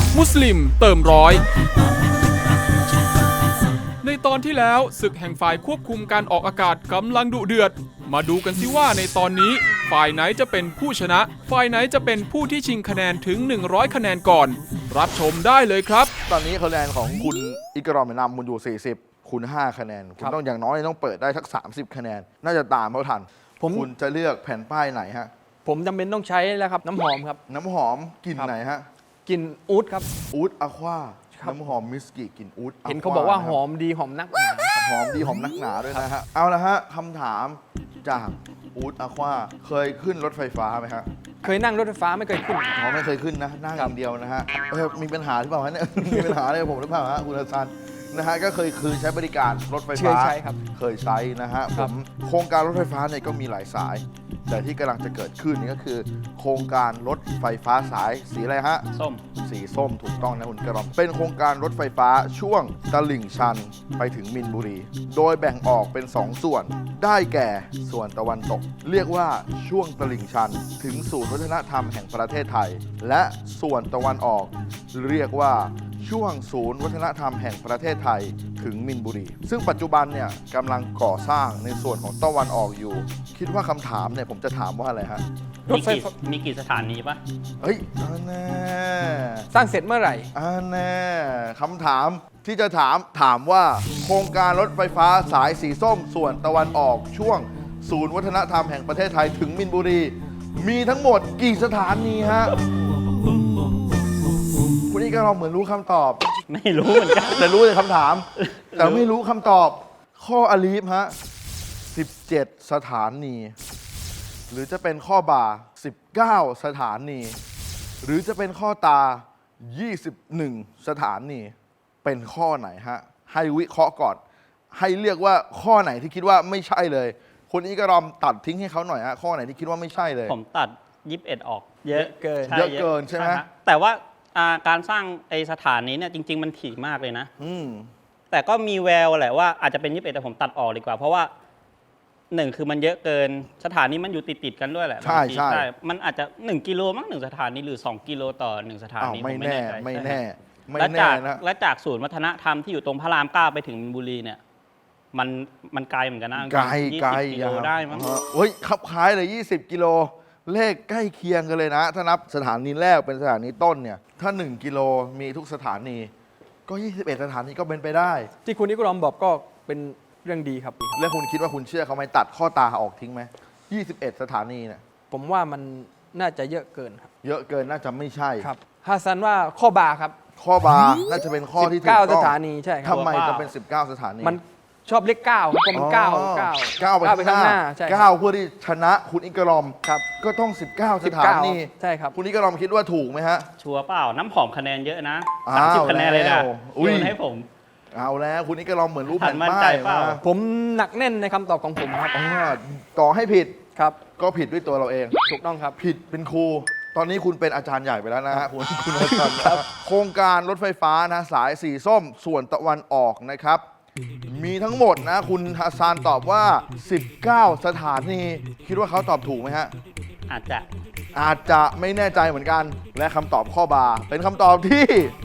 มุสลิมเติมร้อยในตอนที่แล้วศึกแห่งฝ่ายควบคุมการออกอากาศกำลังดุเดือดมาดูกันสิว่าในตอนนี้ฝ่ายไหนจะเป็นผู้ชนะฝ่ายไหนจะเป็นผู้ที่ชิงคะแนนถึง100คะแนนก่อนรับชมได้เลยครับตอนนี้คะแนนของคุณอิกรอมนำคุณอยู่40คุณ5คะแนนคุณต้องอย่างน้อยต้องเปิดได้สัก30คะแนนน่าจะตามเขาทันคุณจะเลือกแผ่นป้ายไหนฮะผมจำเป็นต้องใช้แล้วครับน้ำหอมครับน้ำหอมกลิ่นไหนฮะกลิ่นอู๊ดครับอู๊ดอะควาน้ำหอมมิสกิกลิ่นอู๊ดเห็นเขาบอกว่าหอมดีหอมนักหนาหอมดีหอมนักหนาด้วยนะฮะเอาละฮะคำถามจากอู๊ดอะควาเคยขึ้นรถไฟฟ้าไหมฮะเคยนั่งรถไฟฟ้าไม่เคยขึ้นไม่เคยขึ้นนะนั่งอย่างเดียวนะฮะมีปัญหาหรือเปล่าฮะเนี่ยมีปัญหาอะไรกับผมหรือเปล่าฮะคุณฮัสซันนะฮะก็คือใช้บริการรถไฟฟ้าใช่ครับเคยใช้นะฮะผมโครงการรถไฟฟ้าเนี่ยก็มีหลายสายแต่ที่กำลังจะเกิดขึ้นนี่ก็คือโครงการรถไฟฟ้าสายสีอะไรฮะส้มสีส้มถูกต้องนะคุณกระรอมเป็นโครงการรถไฟฟ้าช่วงตลิ่งชันไปถึงมินบุรีโดยแบ่งออกเป็น2ส่วนได้แก่ส่วนตะวันตกเรียกว่าช่วงตลิ่งชันถึงศูนย์วัฒนธรรมแห่งประเทศไทยและส่วนตะวันออกเรียกว่าช่วงศูนย์วัฒนธรรมแห่งประเทศไทยถึงมินบุรีซึ่งปัจจุบันเนี่ยกำลังก่อสร้างในส่วนของตะวันออกอยู่คิดว่าคำถามเนี่ยผมจะถามว่าอะไรฮะมีกี่สถานีปะเฮ้ยแน่สร้างเสร็จเมื่อไหร่แน่คำถามที่จะถามว่าโครงการรถไฟฟ้าสายสีส้มส่วนตะวันออกช่วงศูนย์วัฒนธรรมแห่งประเทศไทยถึงมินบุรีมีทั้งหมดกี่สถานีฮะคุณนี่ก็เราเหมือนรู้คำตอบไม่รู้เหมือนกันแต่รู้แต่คำถามแต่ไม่รู้คำตอบข้ออลีฟฮะ17 สถานีหรือจะเป็นข้อบา19 สถานีหรือจะเป็นข้อตา21 สถานีเป็นข้อไหนฮะให้วิเคราะห์ก่อนให้เรียกว่าข้อไหนที่คิดว่าไม่ใช่เลยคุณอีกรอมตัดทิ้งให้เขาหน่อยฮะข้อไหนที่คิดว่าไม่ใช่เลยผมตัด21ออกเยอะเกินเยอะเกินใช่ไหมแต่ว่าการสร้างไอสถานนี้เนี่ยจริงๆมันถี่มากเลยนะแต่ก็มีแววแหละว่าอาจจะเป็น21แต่ผมตัดออกดีกว่าเพราะว่า1คือมันเยอะเกินสถานีมันอยู่ติดกันด้วยแหละใช่มันอาจจะ1 กิโลมั้ง1 สถานีหรือ2 กิโลต่อ1 สถานีไม่แน่นะและจากศูนย์วัฒนธรรมที่อยู่ตรงพระราม9ไปถึงมินบุรีเนี่ยมันไกลเหมือนกันนะไกล 20 กิโลได้มั้งเฮ้ยขับคล้ายเลย20 กิโลเลขใกล้เคียงกันเลยนะถ้านับสถานีแรกเป็นสถานีต้นเนี่ยถ้า1 กิโลมีทุกสถานีก็21 สถานีก็เป็นไปได้ที่คุณนิกรอมบอกก็เป็นเรื่องดีครับแล้วคุณคิดว่าคุณเชื่อเขาไหมตัดข้อตาออกทิ้งไหม21 สถานีเนี่ยผมว่ามันน่าจะเยอะเกินครับเยอะเกินน่าจะไม่ใช่ครับฮัสซันว่าข้อบาครับข้อบาน่าจะเป็นข้อที่ถูกต้อง 19 สถานีใช่ครับทำไมจะเป็น19 สถานีมันชอบเลข9เพราะมัน9 ไปข้างหน้า9เพื่อที่ชนะคุณอิกรอมครับก็ต้อง19 สถานีใช่ครับคุณอิกรอมคิดว่าถูกไหมฮะชัวร์เปล่าน้ำหอมคะแนนเยอะนะ30 คะแนนเลยนะโยนให้ผมเอาแล้วคุณอิกรอมเหมือนรู้แผ่นป้ายผมหนักแน่นในคำตอบของผมครับต่อให้ผิดครับก็ผิดด้วยตัวเราเองถูกต้องครับผิดเป็นครูตอนนี้คุณเป็นอาจารย์ใหญ่ไปแล้วนะฮะคุณอาจารย์ครับโครงการรถไฟฟ้านะสายสีส้มส่วนตะวันออกนะครับมีทั้งหมดนะคุณฮัสซันตอบว่า19 สถานีคิดว่าเขาตอบถูกไหมฮะอาจจะไม่แน่ใจเหมือนกันและคำตอบข้อบาเป็นคำตอบที่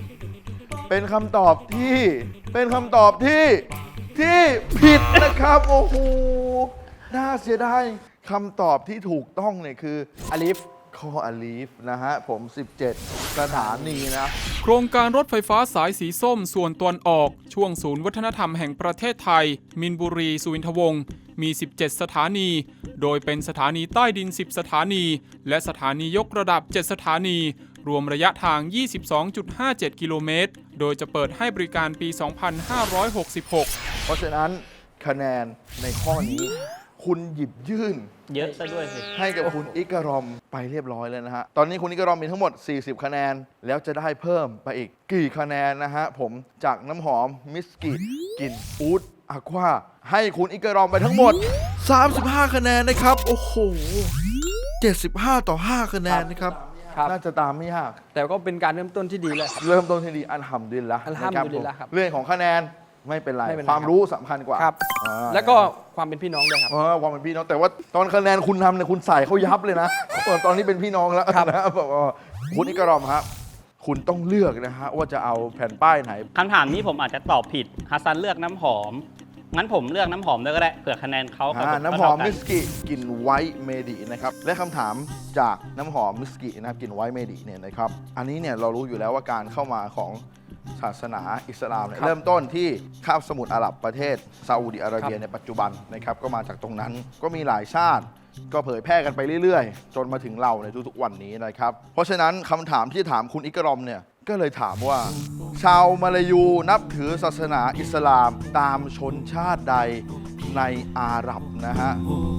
ผิดนะครับโอ้โหน่าเสียดายคำตอบที่ถูกต้องเนี่ยคืออลีฟข้ออลีฟนะฮะผม17 สถานีนะโครงการรถไฟฟ้าสายสีส้มส่วนตะวันออกช่วงศูนย์วัฒนธรรมแห่งประเทศไทยมินบุรีสุวินทวงศ์มี17 สถานีโดยเป็นสถานีใต้ดิน10 สถานีและสถานียกระดับ7 สถานีรวมระยะทาง 22.57 กิโลเมตรโดยจะเปิดให้บริการปี 2566 เพราะฉะนั้นคะแนนในข้อนี้คุณหยิบยื่นเยอะซะด้วยสิให้กับคุณอิกรอมไปเรียบร้อยแล้วนะฮะตอนนี้คุณอิกรอมมีทั้งหมด40 คะแนนแล้วจะได้เพิ่มไปอีกกี่คะแนนนะฮะผมจากน้ำหอมมิสกิกลิ่นอู๊ดอะควาให้คุณอิกรอมไปทั้งหมด35 คะแนนนะครับโอ้โห75 ต่อ 5 คะแนนนะครับน่าจะตามไม่ยากแต่ก็เป็นการเริ่มต้นที่ดีเลยเริ่มต้นที่ดีอัลฮัมดุลิลละห์ครับเรื่องของคะแนนไม่เป็นไรความรู้สำคัญกว่าครับแล้วก็ความเป็นพี่น้องด้วยครับความเป็นพี่น้องแต่ว่าตอนคะแนนคุณทำเนี่ยคุณใส่เขายับเลยนะตอนนี้เป็นพี่น้องแล้วนะคุณอิกรอมครับคุณต้องเลือกนะฮะว่าจะเอาแผ่นป้ายไหนคำถามนี้ผมอาจจะตอบผิดฮัสซันเลือกน้ำหอม งั้นผมเลือกน้ำหอมด้วยก็ได้เผื่อคะแนนเขากับผมน้ำหอมเท่ากันมิสกิกลิ่นไวท์เมดินะครับ และคำถามจากน้ำหอมมิสกินะครับกลิ่นไวท์เมดิเนี่ยนะครับ อันนี้เนี่ยเรารู้อยู่แล้วว่าการเข้ามาของศาสนาอิสลามเนี่ยครับเริ่มต้นที่คาบสมุทรอาหรับประเทศซาอุดิอาระเบียครับในปัจจุบันนะครับก็มาจากตรงนั้นก็มีหลายชาติ ก็เผยแพร่กันไปเรื่อยๆ จนมาถึงเราในทุกๆวันนี้นะครับ เพราะฉะนั้นคำถามที่ถามคุณอิกรอมเนี่ยก็เลยถามว่า ชาวมาลายูนับถือศาสนาอิสลามตามชนชาติใดในอาหรับนะฮะ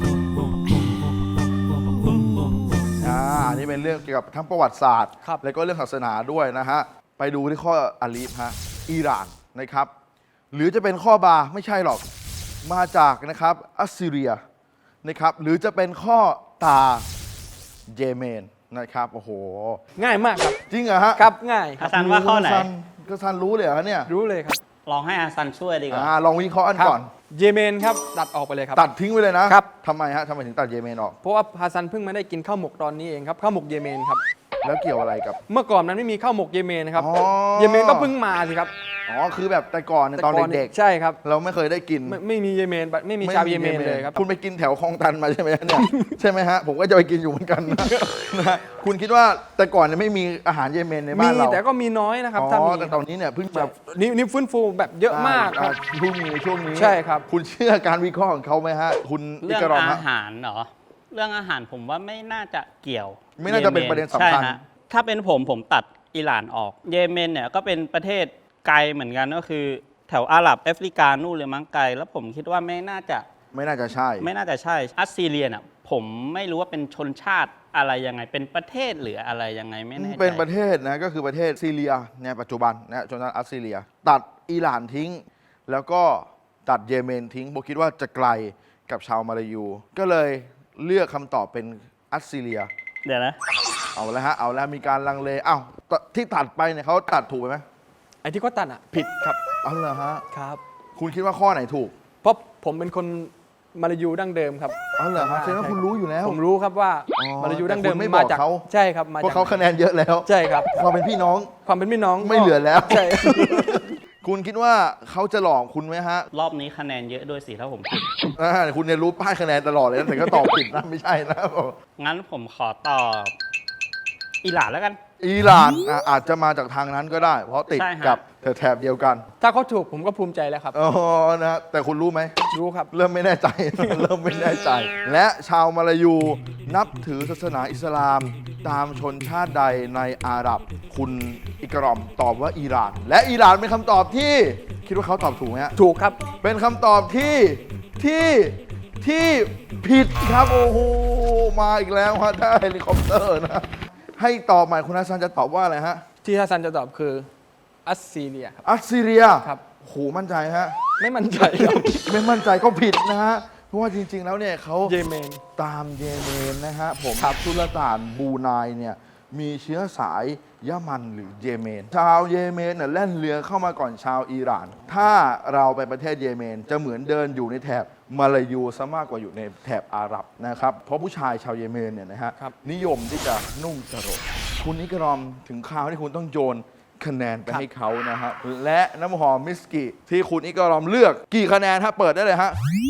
อันนี้เป็นเรื่องเกี่ยวกับทั้งประวัติศาสตร์ครับแล้วก็เรื่องศาสนาด้วยนะฮะ ไปดูที่ข้ออาลีฟฮะอิหร่านนะครับ หรือจะเป็นข้อบาไม่ใช่หรอกมาจากนะครับอัสซีเรียนะครับหรือจะเป็นข้อตาเยเมนนะครับโอ้โหง่ายมากครับจริงเหรอฮะครับง่ายคฮัรับสซันว่าข้อไหนก็ซันรู้เลยเหรอเนี่ยรู้เลยครับลองให้ฮัสซันช่วยดีกว่าลองวิเคราะห์อันครับก่อนเยเมนครับตัดออกไปเลยครับตัดทิ้งไปเลยนะครับ ทำไมฮะทำไมถึงตัดเยเมนออกเพราะว่าฮัสซันเพิ่งมาได้กินข้าวหมกตอนนี้เองครับข้าวหมกเยเมนครับแล้วเกี่ยวอะไรกับเมื่อก่อนนั้นไม่มีข้าวหมกเยเมนนะครับอ๋อเยเมนก็เพิ่งมาสิครับอ๋อคือแบบแต่ก่อนเนี่ยตอนเด็กใช่ครับๆเราไม่เคยได้กินไม่มีเยเมนไม่มีชาวเยเมนเลยครับคุณไปกินแถวคลองตันมาใช่ไหมเนี่ย ใช่ไหมฮะผมก็จะไปกินอยู่เหมือนกันนะฮะคุณคิดว่าแต่ก่อนเนี่ยไม่มีอาหารเยเมนในบ้านเราแต่ก็มีน้อยนะครับอ๋ถ้าอมีแต่ตอนนี้เนี่ยเพิ่งแบจะบนี่ฟื้นฟูแบบเยอะมากครับเพิ่งมีช่วงนี้ใช่ครับคุณเชื่อการวิเคราะห์ของเขาไหมฮะคุณอิเรื่องกรอมอาฮะหารเหรอ เรื่องอาหารผมว่าไม่น่าจะเกี่ยวไม่น่าจะเป็นประเด็นสำคัญใช่ฮะถ้าเป็นผมตัดอิหร่านออก เยเมนเนี่ยก็เป็นประเทศไกลเหมือนกันก็คือ แถวอาหรับแอฟริกานู่นเลยมั้งไกล แล้วผมคิดว่าไม่น่าจะใช่ไม่น่าจะใช่ อัสซีเรียน่ะผมไม่รู้ว่าเป็นชนชาติอะไรยังไง เป็นประเทศหรืออะไรยังไงไม่แน่ใจเป็นประเทศนะก็คือประเทศซีเรียในปัจจุบันนะชนชาติอัสซีเรีย ตัดอิหร่านทิ้ง แล้วก็ตัดเยเมนทิ้งผมคิดว่าจะไกลกับชาวมาลายู ก็เลยเลือกคำตอบเป็นอัสซีเรียเดี๋ยวนะเอาแล้วฮะเอาแล้วมีการลังเลที่ตัดไปเนี่ยเขาตัดถูกไปไหมไอ้ที่เขาตัดอ่ะผิดครับเอาเหรอฮะครับคุณคิดว่าข้อไหนถูกเพราะผมเป็นคนมาลายูดั้งเดิมครับเอาเหรอฮะแสดงว่าคุณรู้อยู่แล้วผมรู้ครับว่าอ๋อมาลายูดั้งเดิมแต่คุณไม่บอกมาจากเขาใช่ครับมาเพราะจากเขาคะแนนเยอะแล้วใช่ครับความเป็นพี่น้องความเป็นพี่น้องไม่เหลือแล้วใช่คุณคิดว่าเขาจะหลอกคุณไหมฮะรอบนี้คะแนนเยอะด้วยสิถ้าผมผิดคุณเนี่ยรู้ป้ายคะแนนตลอดเลยนะแต่ก็ตอบผิดนะไม่ใช่นะงั้นผมขอตอบอิหร่านแล้วกันอิหร่านอาจจะมาจากทางนั้นก็ได้ เพราะติดใช่ฮะกับแถบเดียวกันถ้าเขาถูกผมก็ภูมิใจแล้วครับอ๋อนะฮะแต่คุณรู้ไหมรู้ครับเริ่มไม่แน่ใจ เริ่มไม่แน่ใจ และชาวมาลายูนับถือศาสนาอิสลามตามชนชาติใดในอาหรับ คุณอิกรอมตอบว่าอิหร่าน และอิหร่านเป็นคำตอบที่คิดว่าเขาตอบถูกไหมฮะถูกครับเป็นคำตอบที่ผิดครับโอ้โหมาอีกแล้วฮะได้เฮลิคอปเตอร์นะให้ตอบใหม่คุณฮัสซันจะตอบว่าอะไรฮะที่ฮัสซันจะตอบคืออัสซีเรียครับอัสซีเรียครับโหมั่นใจฮะไม่มั่นใจครับไม่มั่นใจก็ผิดนะฮะเพราะว่าจริง ๆ แล้วเนี่ยเขาเยเมนตามเยเมนนะฮะผมสุลต่านบรูไนเนี่ยมีเชื้อสายยะมันหรือเยเมน ชาวเยเมนเนี่ยแล่นเรือเข้ามาก่อนชาวอิหร่าน ถ้าเราไปประเทศเยเมนจะเหมือนเดินอยู่ในแถบมาลายูซะมากกว่าอยู่ในแถบอาหรับนะครับเพราะผู้ชายชาวเยเมนเนี่ยนะฮะครับนิยมที่จะนุ่งสรงคุณนิกรอมถึงคราวที่คุณต้องโยนคะแนนไปให้เขานะฮะและน้ำหอมมิสกิที่คุณอิกรอมเลือกกี่คะแนนฮะเปิดได้เลยฮะ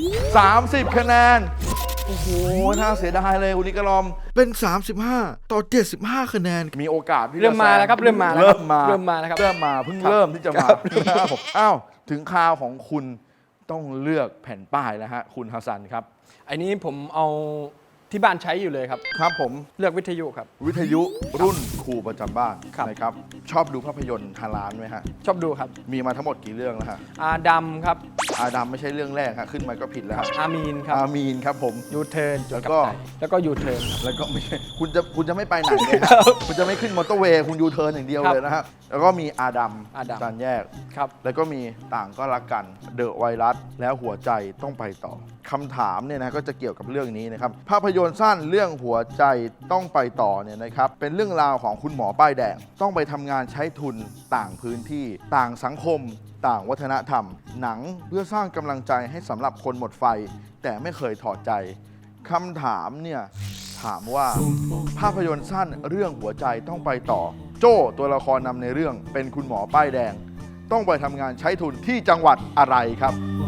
30 คะแนน โอ้โห น่าเสียดายเลยคุณนิกรอม เป็น 35 ต่อ 75 คะแนน มีโอกาสที่จะเริ่มมาแล้วครับเริ่มมาแล้วเริ่มมาเริ่มมาแล้วครับเริ่มมาเพิ่งครับเริ่มที่จะมาครับนะครับผมอ้าว ถึงคราวของคุณต้องเลือกแผ่นป้ายแล้วฮะ คุณฮัสซันครับอันนี้ผมเอาที่บ้านใช้อยู่เลยครับครับผมเลือกวิทยุครับวิทยุรุ่นครูประจำบ้านครับนะครับ ชอบดูภาพยนตร์ฮาลานไหมฮะชอบดูครับมีมาทั้งหมดกี่เรื่องแล้วฮะอาดัมครับอาดัมไม่ใช่เรื่องแรกฮะขึ้นมาก็ผิดแล้วฮะอามีนครับอามีนครับผมยูเทิร์นแล้วก็แล้วก็ยูเทิร์นครับแล้วก็ไม่ใช่คุณจะไม่ไปไหนเลยฮะคุณจะไม่ขึ้นมอเตอร์เวย์คุณยูเทิร์นอย่างเดียวครับเลยนะฮะแล้วก็มีอาดัมอาดัมจานแยกครับแล้วก็มีต่างก็รักกันเดอะไวรัสแล้วหัวใจต้องไปต่อคำถามเนี่ยนะก็จะเกี่ยวกับเรื่องนี้นะครับภาพยนตร์สั้นเรื่องหัวใจต้องไปต่อเนี่ยนะครับเป็นเรื่องราวของคุณหมอป้ายแดงต้องไปทำงานใช้ทุนต่างพื้นที่ต่างสังคม ต่างวัฒนธรรม หนังเพื่อสร้างกำลังใจให้สำหรับคนหมดไฟ แต่ไม่เคยถอดใจคำถามเนี่ยถามว่าภาพยนตร์สั้นเรื่องหัวใจต้องไปต่อโจ้ตัวละครนำในเรื่องเป็นคุณหมอป้ายแดง ต้องไปทำงานใช้ทุนที่จังหวัดอะไรครับ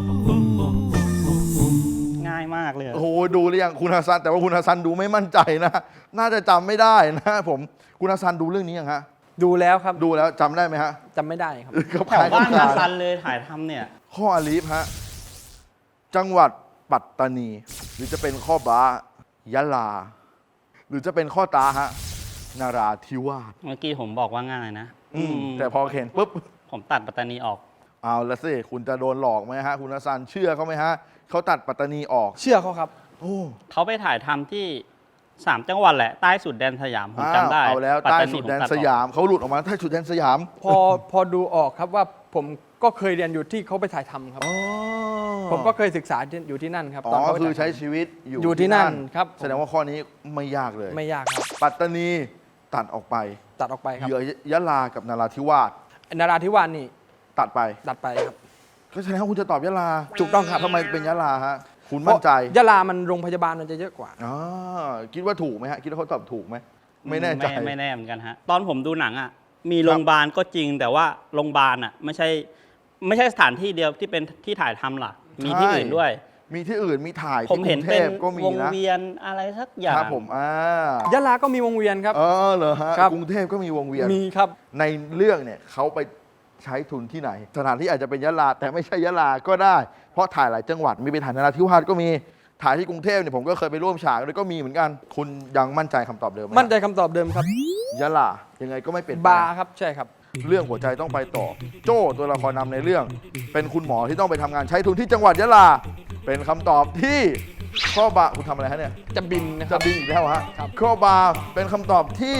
ง่ายมากเลยโอ้โหดูหรือยังคุณฮัสซันแต่ว่าคุณฮัสซันดูไม่มั่นใจนะน่าจะจำไม่ได้นะผมคุณฮัสซันดูเรื่องนี้ยังฮะดูแล้วครับดูแล้วจำได้ไหมฮะจำไม่ได้ครับแถวบ้านนาซันเลยถ่ายทำเนี่ยข้ออาลีฟฮะจังหวัดปัตตานี หรือจะเป็นข้อบายะลา หรือจะเป็นข้อตาฮะนาราธิวาสเมื่อกี้ผมบอกว่าง่ายนะแต่พอเห็นปุ๊บผมตัดปัตตานีออกเอาละสิคุณจะโดนหลอกไหมฮะคุณฮัสซันเชื่อเขาไหมฮะเขาตัดปัตตานีออกเชื่อเขาครับโอ้เขาไปถ่ายทำที่3จังหวัดแหละ ใต้สุดแดนสยามผมจำได้เอาแล้วปัตใต้ตาสุดผมแดนตัออกสยามเขาหลุดออกมาใต้สุดแดนสยามพอดูออกครับว่าผมก็เคยเรียนอยู่ที่เขาไปถ่ายทำครับอ๋อผมก็เคยศึกษาอยู่ที่นั่นครับอ๋ตอนอเขาไปคือถ่ายทำใช้ชีวิตอยู่อยู่ที่นั่นครับแสดงว่าข้อนี้ไม่ยากเลยไม่ยากครับปัตตานีตัดออกไปตัดออกไปครับเหลือยะลากับนาราธิวาสนาราธิวาสนี่ตัดไปตัดไปครับก็แสดงว่าคุณจะตอบยะลาถูกต้องครับทำไมเป็นยะลาฮะคุณมั่นใจเพราะยะลามันโรงพยาบาลมันจะเยอะกว่าอ๋อคิดว่าถูกไหมฮะคิดว่าเขาตอบถูกไหมไม่แน่ใจไม่แน่เหมือนกันฮะ ตอนผมดูหนังอ่ะ มีโรงพยาบาลก็จริง แต่ว่าโรงพยาบาลอ่ะไม่ใช่สถานที่เดียวที่เป็นที่ถ่ายทำหลัก มีที่อื่นด้วยมีที่อื่นมีถ่ายผมที่กเห็รุนงเทเป็นพก็มีวงนะเวียนอะไรสักอย่าคงรับผมยะลาก็มีวงเวียนครับเหรอฮะครับกรุงเทพก็มีวงเวียนมีครับในเรื่องเนี่ยเขาไปใช้ทุนที่ไหน สถานที่อาจจะเป็นยะลาแต่ไม่ใช่ยะลาก็ได้ เพราะถ่ายหลายจังหวัดมีไปถ่ายนราธิวาสก็มีถ่ายที่กรุงเทพเนี่ยผมก็เคยไปร่วมฉากด้วยก็มีเหมือนกัน คุณยังมั่นใจคำตอบเดิมไหมมั่นใจคำตอบเดิมครับยะลายังไงก็ไม่เปลี่ยนแปลบาง ร์ครับใช่ครับเรื่องหัวใจต้องไปต่อ โจ้ตัวละครนำในเรื่อง เป็นคุณหมอที่ต้องไปทำงานใช้ทุนที่จังหวัดยะลา เป็นคำตอบที่ข้อบาคุณทำอะไรฮะเนี่ยจะบินนะคจะรับบินอีกแล้วฮะครับข้อบาเป็นคำตอบที่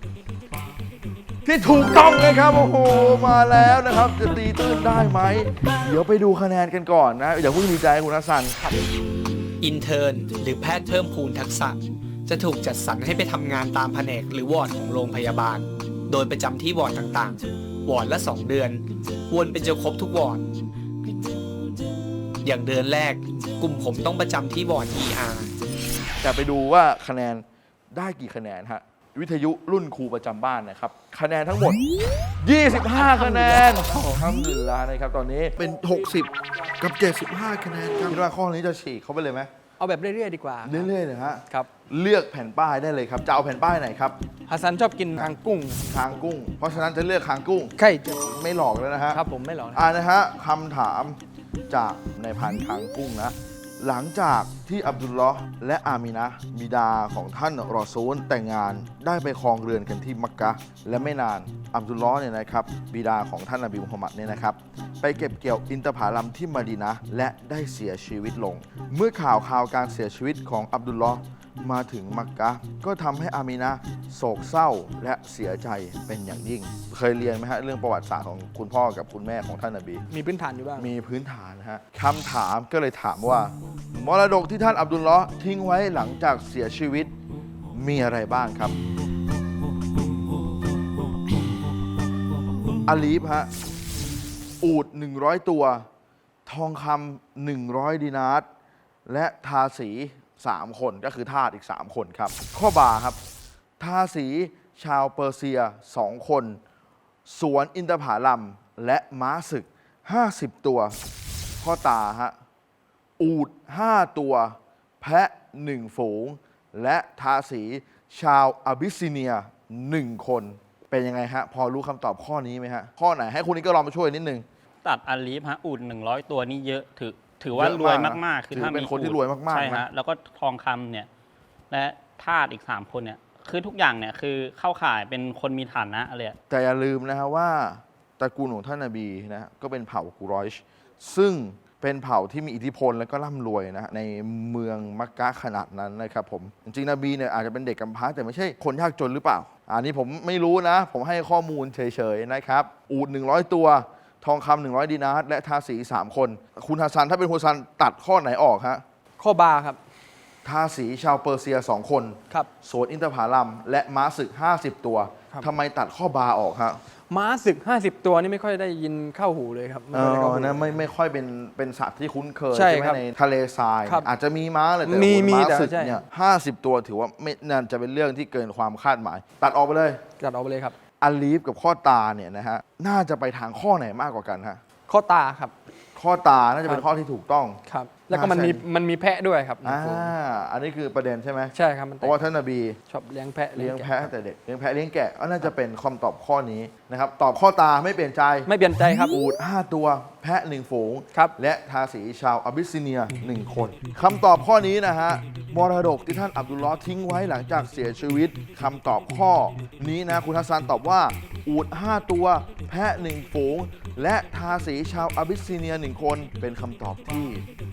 ถูกต้องเลยครับโอ้โหมาแล้วนะครับ จะตีตื้นได้ไหมเดี๋ยวไปดูคะแนนกันก่อนนะอย่าเพิ่งดีใจคุณฮัสซันอินเทอร์นหรือแพทย์เพิ่มพูนทักษะ จะถูกจัดสรรให้ไปทำงานตามแผนกหรือวอร์ดของโรงพยาบาล โดยประจำที่วอร์ดต่างๆ วอร์ดละ 2 เดือน วนเป็นจนครบทุกวอร์ด อย่างเดือนแรก กลุ่มผมต้องประจำที่วอร์ด ER แต่ไปดูว่าคะแนนได้กี่คะแนนฮะวิทยุรุ่นครูประจำบ้านนะครับคะแนนทั้งหมด 25 คะแนนทำดีแล้วนะครับตอนนี้เป็น 60 กับ 75 คะแนนครับคิดว่าข้อนี้จะฉีกเขาไปเลยไหมเอาแบบเรื่อยๆดีกว่าเรื่อยๆเลยฮะครับเลือกแผ่นป้ายได้เลยครับจะเอาแผ่นป้ายไหนครับฮัสซันชอบกินคางกุ้งคางกุ้ง เพราะฉะนั้นจะเลือกคางกุ้งไข่ไม่หลอกแล้วนะฮะครับผมไม่หรอกนะนะฮะคำถามจากในพันคางกุ้งนะ หลังจากที่อับดุลลอฮ์และอามินะห์บิดาของท่านรอซูลแต่งงานได้ไปครองเรือนกันที่มักกะฮ์และไม่นานอับดุลลอฮ์เนี่ยนะครับบิดาของท่านนบีมุฮัมมัดเนี่ยนะครับไปเก็บเกี่ยวอินทผลัมที่มะดีนะห์และได้เสียชีวิตลง เมื่อข่าวการเสียชีวิตของอับดุลลอฮ์มาถึงมักกะฮ์ก็ทำให้อามีนะห์โศกเศร้าและเสียใจเป็นอย่างยิ่ง เคยเรียนไหมฮะเรื่องประวัติศาสตร์ของคุณพ่อกับคุณแม่ของท่านนบีมีพื้นฐานอยู่บ้างมีพื้นฐานนะฮะคำถามก็เลยถามว่ามรดกที่ท่านอับดุลลอฮ์ทิ้งไว้หลังจากเสียชีวิตมีอะไรบ้างครับอาลีฟฮะอูฐ100 ตัว ทองคำ100 ดินาร์และทาสี 3 คนก็คือทาสอีก 3 คนครับ ข้อบาครับ ทาสีชาวเปอร์เซีย 2 คน สวนอินทผลัมและม้าศึก 50 ตัว ข้อตาฮะอูฐ5 ตัว แพะ 1 ฝูง และทาสีชาวอาบิสซิเนีย 1 คน เป็นยังไงฮะ พอรู้คำตอบข้อนี้ไหมฮะ ข้อไหนให้คุณนี้ก็ลองมาช่วยนิดนึงตัดอาลีฟฮะอุ่น100 ตัวนี่เยอะถือว่ารวยมากๆถือเป็นคนที่รวยมากๆใช่นะฮะแล้วก็ทองคำเนี่ยและทาสอีก 3 คนเนี่ยคือทุกอย่างเนี่ยคือเข้าข่ายเป็นคนมีฐานะเลยอะแต่อย่าลืมนะฮะว่าตระกูลของท่านนบีนะก็เป็นเผ่ากุรอยชซึ่งเป็นเผ่าที่มีอิทธิพลและก็ร่ำรวยนะในเมืองมักกะฮ์ขนาดนั้นนะครับผมจริงๆนบีเนี่ยอาจจะเป็นเด็กกำพร้าแต่ไม่ใช่คนยากจนหรือเปล่าอันนี้ผมไม่รู้นะ ผมให้ข้อมูลเฉยๆนะครับอูฐ100 ตัว ทองคำ100 ดินาร์และทาสี 3 คน คุณฮัสซันถ้าเป็นคุณฮัสซันตัดข้อไหนออกฮะข้อบาร์ครับทาสีชาวเปอร์เซีย 2 คนครับสวนอินทผลัมและม้าศึก 50 ตัวครับทำไมตัดข้อบาออกฮะม้าศึก 50 ตัวนี่ไม่ค่อยได้ยินเข้าหูเลยครับไม่ค่อยได้เข้าหูไม่ค่อยเป็นสัตว์ที่คุ้นเคยใช่ไหมครับในทะเลทรายครับอาจจะมีม้าเลยแต่มีโอ้โหม้าแต่ศึกใช่เนี่ย50 ตัวถือว่าไม่น่าจะเป็นเรื่องที่เกินความคาดหมาย ตัดออกไปเลยจัดเอาไปเลยครับอาลีฟกับข้อตาเนี่ยนะฮะน่าจะไปทางข้อไหนมากกว่ากันฮะข้อตาครับข้อตาน่าจะเป็นข้อที่ถูกต้องครับ แล้วก็มันมีแพะด้วยครับในฝูงอันนี้คือประเด็นใช่ไหมใช่ครับมันเพราะว่าท่านนบีชอบเลี้ยงแพะเลี้ยงแกะแพะตั้งแต่เด็กเลี้ยงแพะเลี้ยงแกะก็น่าจะเป็นคำตอบข้อนี้นะครับตอบข้อตาไม่เปลี่ยนใจไม่เปลี่ยนใจครับอูฐ5 ตัวแพะ 1 ฝูงครับและทาสีชาวอาบิสซิเนีย 1 คนคำตอบข้อนี้นะฮะมรดกที่ท่านอับดุลลอฮ์ทิ้งไว้หลังจากเสียชีวิตคำตอบข้อนี้นะคุณฮัสซันตอบว่าอูฐ5 ตัวแพะ 1 ฝูง และทาสีชาวอาบิสซิเนีย 1 คนเป็นคำตอบที่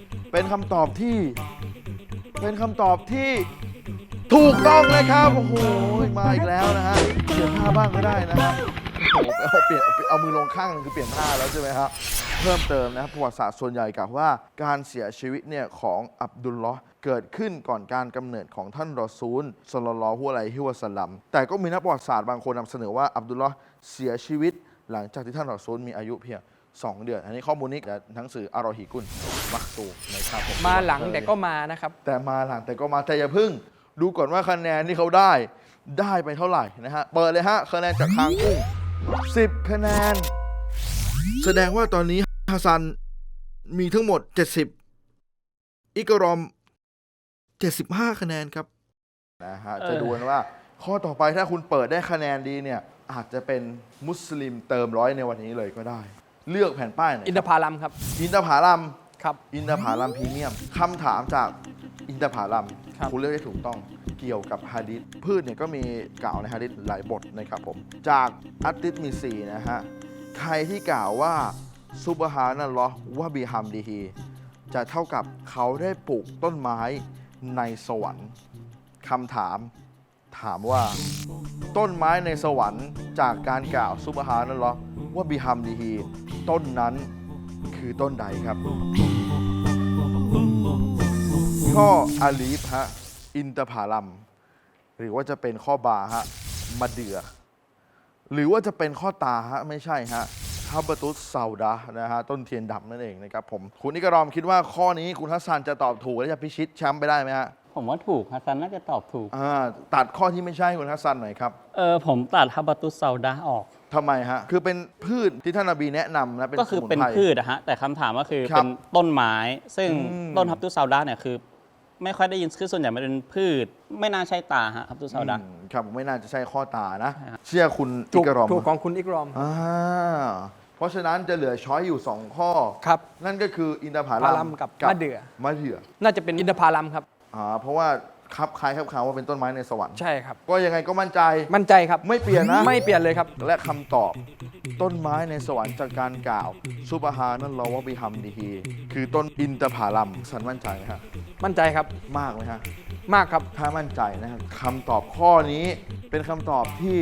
ถูกต้องเลยครับโอ้โหมาอีกแล้วนะฮะเปลี่ยนท่าบ้างก็ได้นะฮะโอ้โหเอามือลงข้างนึงคือเปลี่ยนท่าแล้วใช่ไหมครับเพิ่มเติมนะครับประวัติศาสตร์ส่วนใหญ่กล่าวว่าการเสียชีวิตเนี่ยของอับดุลลอฮ์เกิดขึ้นก่อนการกำเนิดของท่านรอซูลศ็อลลัลลอฮุอะลัยฮิวะซัลลัมแต่ก็มีนักประวัติศาสตร์บางคนนำเสนอว่าอับดุลลอฮ์เสียชีวิตหลังจากที่ท่านรอซูลมีอายุเพียง2 เดือนอันนี้ข้อมูลนี้จากหนังสืออารอฮีกุลมักตูนะครับผมมาหลังแต่ก็มานะครับแต่มาหลังแต่ก็มาแต่อย่าพึ่งดูก่อนว่าคะแนนที่เขาได้ไปเท่าไหร่นะฮะเปิดเลยฮะคะแนนจากคางกุ้ง10 คะแนนแสดงว่าตอนนี้ฮัสซันมีทั้งหมด70อิกรอม75 คะแนนครับนะฮะจะดูกันว่าข้อต่อไปถ้าคุณเปิดได้คะแนนดีเนี่ยอาจจะเป็นมุสลิมเติม100ในวันนี้เลยก็ได้เลือกแผ่นป้ายไหนอินทผลัมครับอินทผลัมครับอินทผลัมพรีเมียมคำถามจากอินทผลัมครับคุณเลือกได้ถูกต้องเกี่ยวกับฮะดิษพืชเนี่ยก็มีกล่าวในฮะดิษหลายบทนะครับผมจากอัตติสมี4นะฮะใครที่กล่าวว่าซุบฮานัลลอฮ์วะบิฮัมดิฮีจะเท่ากับเขาได้ปลูกต้นไม้ในสวรรค์คำถามว่าต้นไม้ในสวรรค์จากการกล่าวซุบฮานัลลอฮ์วะบิฮัมดิฮีต้นนั้นคือต้นใดครับข้ออาลีฟฮะอินทผลัมหรือว่าจะเป็นข้อบาฮะมะเดื่อหรือว่าจะเป็นข้อตาฮะไม่ใช่ฮะฮับบะตุสซาดะนะฮะต้นเทียนดำนั่นเองนะครับผมคุณนิกรอมคิดว่าข้อนี้คุณฮัสซันจะตอบถูกและจะพิชิตแชมป์ไปได้ไหมฮะผมว่าถูกฮัสซันน่าจะตอบถูกตัดข้อที่ไม่ใช่คุณฮัสซันหน่อยครับผมตัดฮับบะตุสซาดะออกทำไมฮะคือเป็นพืชที่ท่านนบีแนะนำนะเป็นก็คือสมุนเป็นไพรพืชอะฮะแต่คำถามก็คือครับเป็นต้นไม้ ซึ่งอืมต้นฮับตุสซาดะเนี่ยคือ ไม่ค่อยได้ยินคือส่วนใหญ่มันเป็นพืช ไม่น่าใช่ตาฮะฮับตุสซาดะครับไม่น่าจะใช่ข้อตานะใช่ครับเชื่อคุณอิถูกกรอมถูกของคุณอิกรอมเพราะฉะนั้นจะเหลือช้อยอยู่ 2 ข้อครับนั่นก็คืออินทผผลัลัมมกับมะเดื่อมะเดื่อน่าจะเป็นอินทผลัมครับเพราะว่าครับคล้ายครับคาว่าเป็นต้นไม้ในสวรรค์ใช่ครับก็ยังไงก็มั่นใจมั่นใจครับไม่เปลี่ยนนะไม่เปลี่ยนเลยครับและคำตอบต้นไม้ในสวรรค์จากการกล่าวซุบฮานัลลอฮ์วะบิฮัมดิฮีคือต้นอินทผลัมสันมั่นใจไหมฮะมั่นใจครับมากไหมฮะมากครับถ้ามั่นใจนะครับคำตอบข้อนี้เป็นคำตอบที่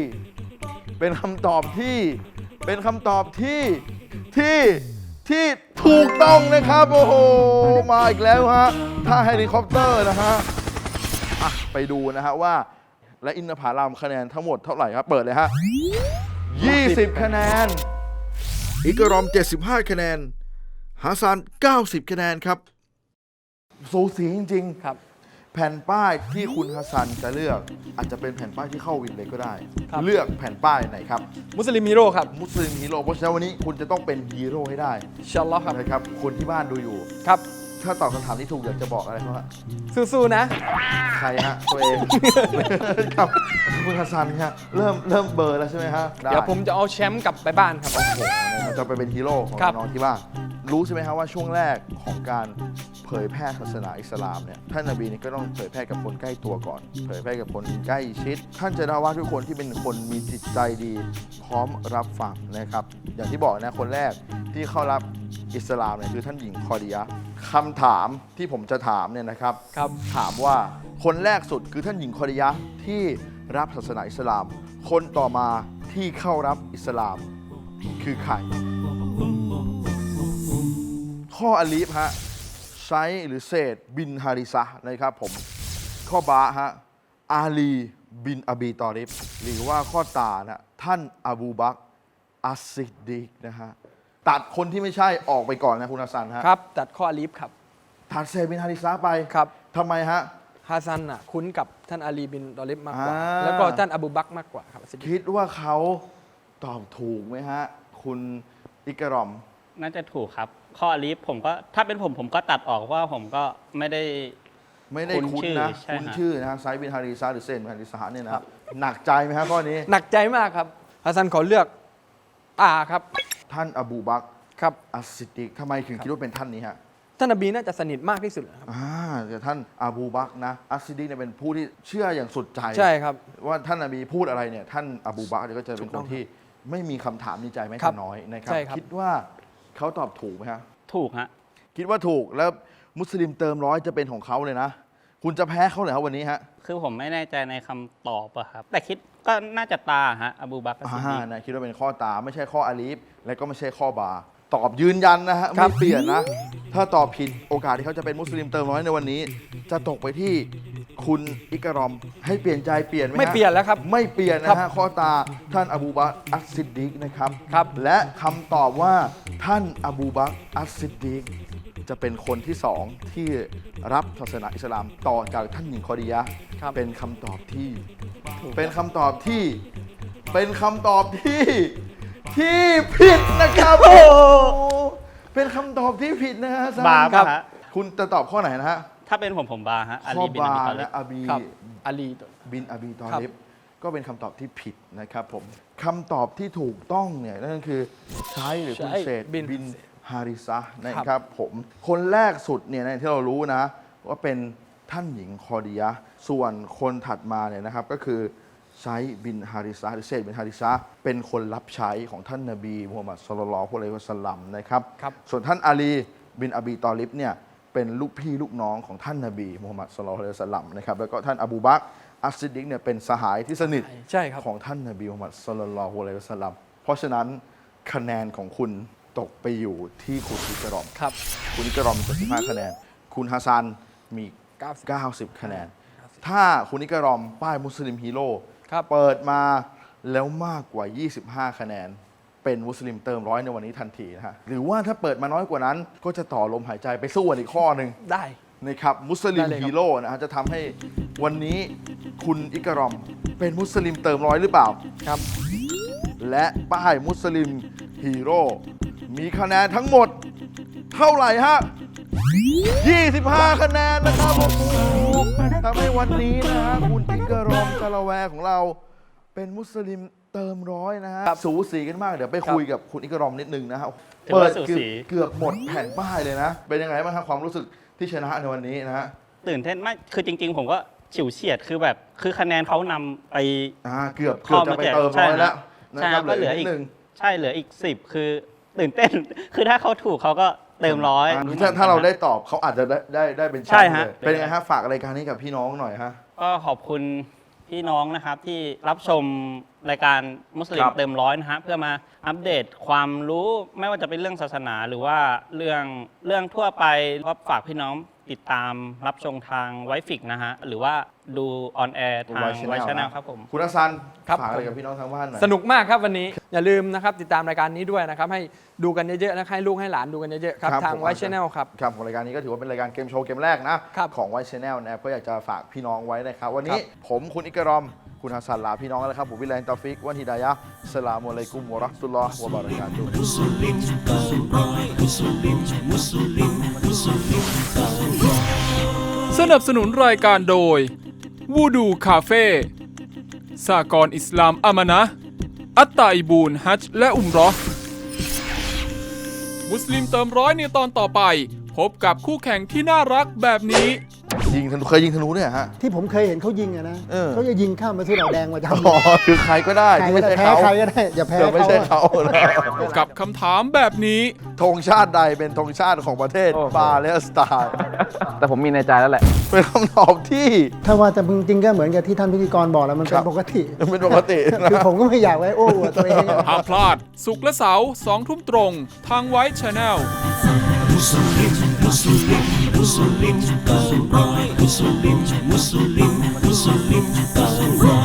ที่ถูกต้องนะครับ โอ้โห มาอีกแล้วฮะท่าเฮลิคอปเตอร์นะฮะไปดูนะฮะว่า และอินทผลัมคะแนนทั้งหมดเท่าไหร่ครับ เปิดเลยฮะ 20 คะแนน อิกรอม 75 คะแนนฮาซาน 90 คะแนนครับสูสีจริงๆครับแผ่นป้ายที่คุณฮัสซันจะเลือกอาจจะเป็นแผ่นป้ายที่เข้าวินเลยก็ได้ครับเลือกแผ่นป้ายไหนครับมุสลิมฮีโร่ครับมุสลิมฮีโร่เพราะฉะนั้นวันนี้คุณจะต้องเป็นฮีโร่ให้ได้อินชาอัลลอฮ์ครับนะครับคนที่บ้านดูอยู่ครับถ้าตอบคำถามที่ถูกอยากจะบอกอะไรเขาฮะสู้ๆนะใครฮะตัวเอง ครับคุณฮัสซันฮะเริ่มเบลอร์แล้วใช่ไหมฮะไเดี๋ยวผมจะเอาแชมป์กลับไปบ้านครับโอ้โหนะครับจะไปเป็นฮีโร่ของครับน้องที่บ้านรู้ใช่ไหมครับว่าช่วงแรกของการเผยแพร่ศาสนาอิสลามเนี่ยท่านนบีเนี่ยก็ต้องเผยแพร่กับคนใกล้ตัวก่อน เผยแพร่กับคนใกล้ชิด ท่านจะได้ว่าทุกคนที่เป็นคนมีจิตใจดีพร้อมรับฟังนะครับ อย่างที่บอกนะคนแรกที่เข้ารับอิสลามเนี่ยคือท่านหญิงคอดียะห์คำถามที่ผมจะถามเนี่ยนะครับครับถามว่าคนแรกสุดคือท่านหญิงคอดียะห์ที่รับศาสนาอิสลาม คนต่อมาที่เข้ารับอิสลามคือใคร ข้ออาลีฟฮะไซหรือเซดบินฮาริซะห์นะครับผมข้อบาฮะอาลีบินอบีตอริบหรือว่าข้อตานะท่านอบูบักรอัสซิดดีกนะฮะตัดคนที่ไม่ใช่ออกไปก่อนนะคุณฮัสซันฮะครับ ตัดข้ออาลีฟครับตัดเซดบินฮาริซะห์ไปครับทำไมฮะฮาซันคุ้นกับท่านอาลีบินตอลิบมากกว่าอ่าแล้วก็ท่านอบูบักรมากกว่าครับคิดว่าเขาตอบถูกไหมฮะ คุณอิกรอมน่าจะถูกครับ ข้ออาลีฟผมก็ถ้าเป็นผมก็ตัดออกเพราะว่าผมก็ไม่ได้คุ้นนะใช่ฮะคุ้นชื่อนะฮะไซด์บินฮาริซาหรือเซนบินฮาริซาเนี่ยนะหนักใจไหมฮะข้อนี้หนักใจมากครับฮาซันขอเลือกครับท่านอบูบักรครับอัสซิดดิกทำไมถึงคิดว่าเป็นท่านนี้ฮะท่านนบีน่าจะสนิทมากที่สุดครับแต่ท่านอบูบักรนะอัสซิดดิกเนี่ยเป็นผู้ที่เชื่ออย่างสุดใจใช่ครับว่าท่านนบีพูดอะไรเนี่ยท่านอบูบักรเนี่ยก็จะเป็นถูกคต้อน งที่ไม่มีคำถามในใจแม้ครัแต่บน้อยนะครับใช่ครับคิดว่าเขาตอบถูกไหมฮะถูกฮะคิดว่าถูกแล้วมุสลิมเติมร้อยจะเป็นของเขาเลยนะ คุณจะแพ้เขาเลยครับวันนี้ฮะคือผมไม่แน่ใจในคำตอบอะครับ แต่คิดก็น่าจะตาฮะอบูบักรซิดดีกนะคิดว่าเป็นข้อตาไม่ใช่ข้ออาลีฟและก็ไม่ใช่ข้อบา ตอบยืนยันนะฮะครัไม่บเปลี่ยนนะ ถ้าตอบผิดโอกาสที่เขาจะเป็นมุสลิมเติมร้อยในวันนี้ จะตกไปที่คุณอิกรอมให้เปลี่ยนใจเปลี่ยนไหมฮะไม่เปลี่ยนแล้วครับไม่เปลี่ยนครันะฮะบข้อตาท่านอบูบักรอัสซิดดิกนะครับครับและคำตอบว่าท่านอบูบักรอัสซิดดิกจะเป็นคนที่สองที่รับศาสนาอิสลามต่อจากท่านหญิงคอดียะห์ครับเป็นคำตอบที่ เป็นคำตอบที่ที่ผิดนะครับโอ้เป็นคำตอบที่ผิดนะฮะบาคครัรับคุณจะตอบข้อไหนนะฮะถ้าเป็นผมบาฮะอาข้อลีบินบาอบีตอลิและบอาบีครับอาลีบินอบีตอครับลิบก็เป็นคำตอบที่ผิดนะครับผมคำตอบที่ถูกต้องเนี่ยนั่นก็คือใช้หรือคุณเศษบินฮาริซะห์นะครับผมคนแรกสุดเนี่ยในที่เรารู้นะ ว่าเป็นท่านหญิงคอดียะห์ส่วนคนถัดมาเนี่ยนะครับก็คือไซด์บินฮาริซะห์หรือเซดบินฮาริซะห์เป็นคนรับใช้ของท่านนบีมูฮัมมัดศ็อลลัลลอฮุอะลัยฮิวะซัลลัมนะครับครับส่วนท่านอาลีบินอบีตอลิบเนี่ยเป็นลูกพี่ลูกน้องของท่านนบีมูฮัมมัดศ็อลลัลลอฮุอะลัยฮิวะซัลลัมนะครับแล้วก็ท่านอบูบักรอัสซิดดิกเนี่ยเป็นสหายที่สนิทใช่ครับของท่านนบีมูฮัมมัดศ็อลลัลลอฮุอะลัยฮิวะซัลลัมเพราะฉะนั้นคะแนนของคุณตกไปอยู่ที่คุณอิกรอมครับคุณอิกรอม75คะแนน คุณฮัสซันมี 90 คะแนน ถ้าคุณอิกรอมป้ายมุสลิมฮีโร่ครับเปิดมาแล้วมากกว่า 25 คะแนน เป็นมุสลิมเติมร้อยในวันนี้ทันทีนะฮะหรือว่าถ้าเปิดมาน้อยกว่านั้น ก็จะต่อลมหายใจไปสู้กันอีกข้อหนึ่งได้นะครับมุสลิมได้เลยครับฮีโร่นะฮะจะทำให้วันนี้คุณอิกรอมเป็นมุสลิมเติมร้อยหรือเปล่าครับและป้ายมุสลิมฮีโร่มีคะแนนทั้งหมด เท่าไหร่ฮะ 25 คะแนนนะครับโอ้โหทำให้วันนี้นะฮะคุณอิกรอมกะละแวของเรา เป็นมุสลิมเติมร้อยนะฮะครับสูสีกันมากเดี๋ยวไปคุยกับคุณอิกรอมนิดนึงนะฮะถือว่าสูสีเกือบหมดแผ่นป้ายเลยนะ เป็นยังไงบ้างครับความรู้สึกที่ชนะในวันนี้นะฮะตื่นเต้นมากคือจริง ๆ ผมก็ฉิวเฉียดคือแบบคือคะแนนเขานำไปเกือบจะไปเติมร้อยแล้วนะใช่คครัรับบ เหลืก็เหลือออีอีกกหนึ่งใช่เหลืออีก 10 คือตื่นเต้น คือถ้าเขาถูกเขาก็เติมร้อยถ้าเราได้ตอบเขาอาจจะได้เป็นแชใช่มป์ฮะเลยเป็นยังไงฮะฝากรายการนี้กับพี่น้องหน่อยฮะก็ขอบคุณพี่น้องนะครับที่รับชมรายการมุสลิมครับเติมร้อยนะฮะเพื่อมาอัปเดตความรู้ไม่ว่าจะเป็นเรื่องศาสนาหรือว่าเรื่องทั่วไปก็ฝากพี่น้องติดตามรับชมทางไวฟิกนะฮะหรือว่าดูออนแอร์ทาง White Channel ไวชแนลนะครับผมคุณฮัสซันครับฝากอะไรกับพี่น้องทางบ้านหน่อยสนุกมากครับวันนี้อย่าลืมนะครับติดตามรายการนี้ด้วยนะครับให้ดูกันเยอะๆนะให้ลูกให้หลานดูกันเยอะๆครับทางไวชแนลครับครับของรายการนี้ก็ถือว่าเป็นรายการเกมโชว์เกมแรกนะครับ ของไวชแนลนะครับก็อยากจะฝากพี่น้องไว้นะครับ วันนี้ผมคุณอิกรอม คุณฮัสซันลาพี่น้องแล้วครับผมวิไลน์ตอฟิกวันฮิดายะห์อัสสลามุอะลัยกุมวะเราะห์มะตุลลอฮ์วะบะเราะกาตุฮ์สนับสนุนรายการโดยวูดูคาเฟ่สากรณ์อิสลามอามานะห์อัตตาอิบูนฮัจญ์และอุมเราะห์มุสลิมเติมร้อยในตอนต่อไป พบกับคู่แข่งที่น่ารักแบบนี้ยิงธนูเคยยิงธนูเนี่ยฮะที่ผมเคยเห็นเขายิงอะนะเออเขาจะยิงข้ามมาที่เราแดงมาทำอ๋อคือใครก็ได้ใครที่ก็ไม่ได้ใช่แพ้เขาใครก็ได้อย่าแพ้เดี๋ยวไม่ใช่เขาเขานะกับคำถามแบบนี้ธงชาติใดเป็นธงชาติของประเทศปาเลสไตน์แต่ผมมีในใจแล้วแหละเป็นคำตอบที่ถ้าว่าแต่จริงๆก็เหมือนกับที่ท่านพิธีกรบอกแล้วมันคเป็รับนปกติเป็นปกตินะคือผมก็ไม่อยากไว้โอ้อวดตัวเองอะห้ามพลาด ศุกร์และเสาร์2 ทุ่มตรง ทางไวท์ชาแนล Muslim,